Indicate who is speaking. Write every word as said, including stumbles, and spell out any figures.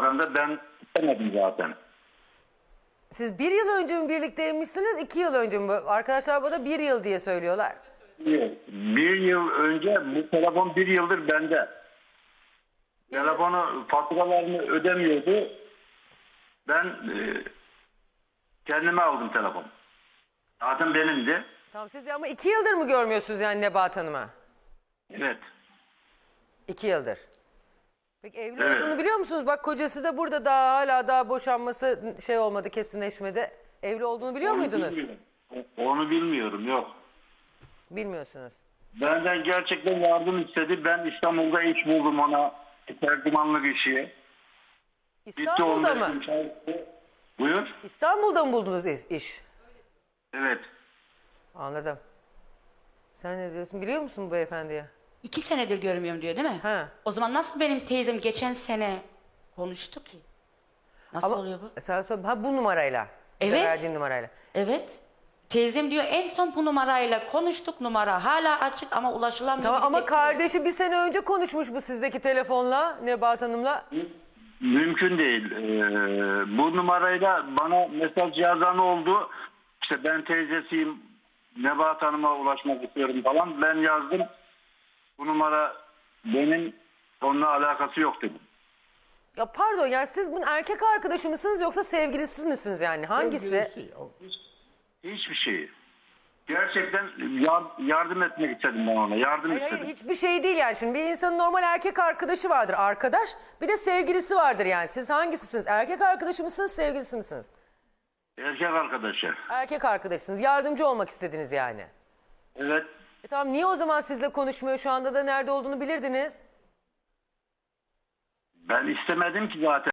Speaker 1: davrandı. Ben istemedim zaten.
Speaker 2: Siz bir yıl önce mi birlikteymişsiniz, iki yıl önce mi? Arkadaşlar bana bir yıl diye söylüyorlar.
Speaker 1: Bir yıl önce bu telefon bir yıldır bende. Telefonu faturalarını ödemiyordu. Ben e, kendime aldım telefonu. Zaten benimdi.
Speaker 2: Tamam, siz ama iki yıldır mı görmüyorsunuz yani Nebahat Hanım'a?
Speaker 1: Evet.
Speaker 2: İki yıldır. Peki evli
Speaker 1: Evet.
Speaker 2: olduğunu biliyor musunuz? Bak kocası da burada, daha hala daha boşanması şey olmadı, kesinleşmedi. Evli olduğunu biliyor
Speaker 1: Onu
Speaker 2: muydunuz?
Speaker 1: bilmiyorum. Onu bilmiyorum, yok.
Speaker 2: Bilmiyorsunuz.
Speaker 1: Benden gerçekten yardım istedi. Ben İstanbul'da iş buldum ona. Tercümanlık işi.
Speaker 2: İstanbul'da mı?
Speaker 1: Buyur.
Speaker 2: İstanbul'da mı buldunuz iş? iş?
Speaker 1: Evet.
Speaker 2: Anladım. Sen ne diyorsun? Biliyor musun bu beyefendiye?
Speaker 3: İki senedir görmüyorum diyor değil mi?
Speaker 2: Ha.
Speaker 3: O zaman nasıl benim teyzem geçen sene konuştu ki? Nasıl
Speaker 2: Ama
Speaker 3: oluyor bu?
Speaker 2: sen sor- ha bu numarayla. Size
Speaker 3: Evet.
Speaker 2: verdiğim numarayla.
Speaker 3: Evet. Teyzem diyor en son bu numarayla konuştuk, numara hala açık ama ulaşılamıyor.
Speaker 2: Tamam
Speaker 3: Bir
Speaker 2: ama
Speaker 3: tek-
Speaker 2: kardeşi bir sene önce konuşmuş bu sizdeki telefonla, Nebahat Hanım'la.
Speaker 1: Mümkün değil. Ee, bu numarayla bana mesaj yazan oldu. İşte ben teyzesiyim. Nebahat Hanım'a ulaşmak istiyorum falan. Ben yazdım. Bu numara benim, onunla alakası yok dedim.
Speaker 2: Ya pardon, yani siz bunun erkek arkadaşı mısınız yoksa sevgilisi misiniz yani? Hangisi?
Speaker 1: Hiçbir şey. Gerçekten yar- yardım etmek istedim ben ona. Yardım
Speaker 2: Hayır,
Speaker 1: istedim.
Speaker 2: hayır, hiçbir şey değil yani. Şimdi bir insanın normal erkek arkadaşı vardır, arkadaş. Bir de sevgilisi vardır yani. Siz hangisisiniz? Erkek arkadaşı mısınız, sevgilisi misiniz?
Speaker 1: Erkek arkadaşı.
Speaker 2: Erkek arkadaşsınız. Yardımcı olmak istediniz yani.
Speaker 1: Evet.
Speaker 2: E tamam, niye o zaman sizle konuşmuyor? Şu anda da nerede olduğunu bilirdiniz.
Speaker 1: Ben istemedim ki zaten.